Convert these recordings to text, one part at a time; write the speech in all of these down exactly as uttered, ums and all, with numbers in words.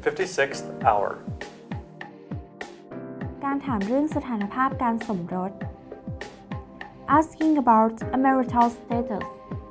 fifty-sixth hour การถามเรื่องสถานภาพการสมรส asking about a marital status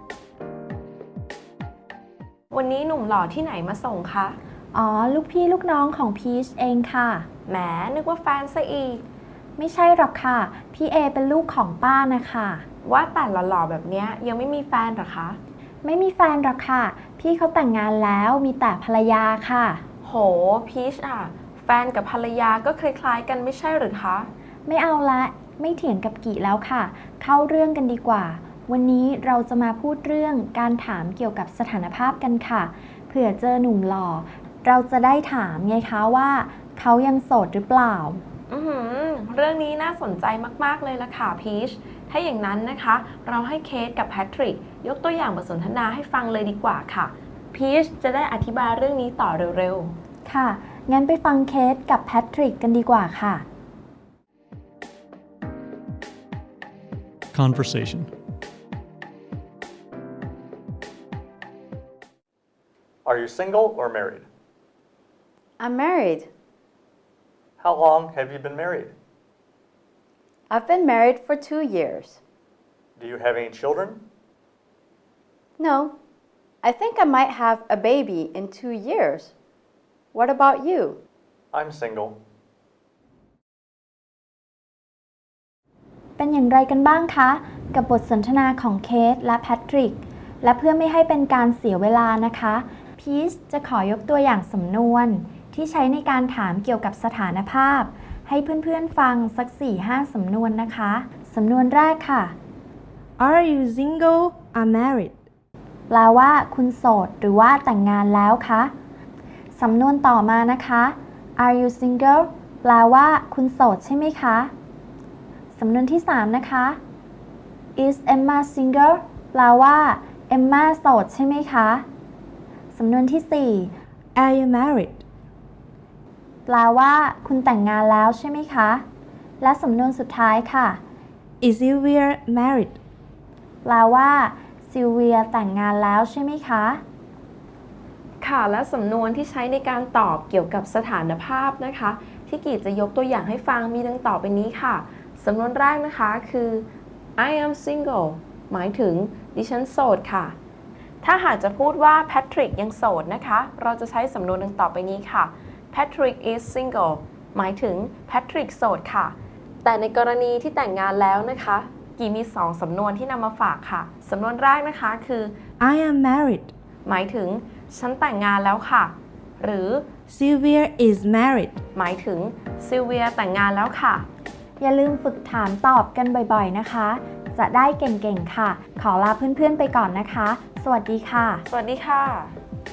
วันนี้หนุ่มหล่อที่ไหนมาส่งคะอ๋อลูกพี่ลูกน้องของพีชเองค่ะแหมนึกว่าแฟนซะอีกไม่ใช่หรอกค่ะพี่เอเป็นลูกของป้านะคะว่าแต่หล่อๆแบบนี้ยังไม่มีแฟนหรอคะไม่มีแฟนหรอกค่ะพี่เขาแต่งงานแล้วมีแต่ภรรยาค่ะโหพีชอ่ะแฟนกับภรรยาก็คล้ายๆกันไม่ใช่หรือคะไม่เอาละไม่เถียงกับกี่แล้วค่ะเข้าเรื่องกันดีกว่าวันนี้เราจะมาพูดเรื่องการถามเกี่ยวกับสถานภาพกันค่ะเผื่อเจอหนุ่มหล่อเราจะได้ถามไงคะว่าเขายังโสดหรือเปล่าอือหือเรื่องนี้น่าสนใจมากๆเลยล่ะค่ะพีชถ้าอย่างนั้นนะคะเราให้เคทกับแพทริกยกตัวอย่างบทสนทนาให้ฟังเลยดีกว่าค่ะพีชจะได้อธิบายเรื่องนี้ต่อเร็วๆค่ะงั้นไปฟังเคทกับแพทริกกันดีกว่าค่ะ Conversation Are you single or married? I'm married. How long have you been married? I've been married for two years. Do you have any children? No. I think I might have a baby in two years. What about you? I'm single. เป็นอย่างไรกันบ้างคะกับบทสนทนาของเคทและแพทริกและเพื่อไม่ให้เป็นการเสียเวลานะคะพีชจะขอยกตัวอย่างสำนวนที่ใช้ในการถามเกี่ยวกับสถานภาพให้เพื่อนๆฟังสัก สี่ถึงห้า สำนวนนะคะสำนวนแรกค่ะ Are you single or married แปลว่าคุณโสดหรือว่าแต่งงานแล้วคะสำนวนต่อมานะคะ Are you single แปลว่าคุณโสดใช่ไหมคะสำนวนที่สามนะคะ Is Emma single แปลว่าเอมม่าโสดใช่ไหมคะสำนวนที่สี่ Are you married แปลว่าคุณแต่งงานแล้วใช่ไหมคะและสำนวนสุดท้ายค่ะ Is Sylvia married แปลว่าซิลเวียแต่งงานแล้วใช่ไหมคะค่ะและสำนวนที่ใช้ในการตอบเกี่ยวกับสถานภาพนะคะที่กีจะยกตัวอย่างให้ฟังมีดังต่อไปนี้ค่ะสำนวนแรกนะคะคือ I am single หมายถึงดิฉันโสดค่ะถ้าหากจะพูดว่าแพทริกยังโสดนะคะเราจะใช้สำนวนดังต่อไปนี้ค่ะ Patrick is single หมายถึงแพทริกโสดค่ะแต่ในกรณีที่แต่งงานแล้วนะคะกีมีสองสำนวนที่นำมาฝากค่ะสำนวนแรกนะคะคือ I am married หมายถึงฉันแต่งงานแล้วค่ะหรือ Sylvia is married หมายถึงซิลเวียแต่งงานแล้วค่ะอย่าลืมฝึกถามตอบกันบ่อยๆนะคะจะได้เก่งๆค่ะขอลาเพื่อนๆไปก่อนนะคะสวัสดีค่ะสวัสดีค่ะ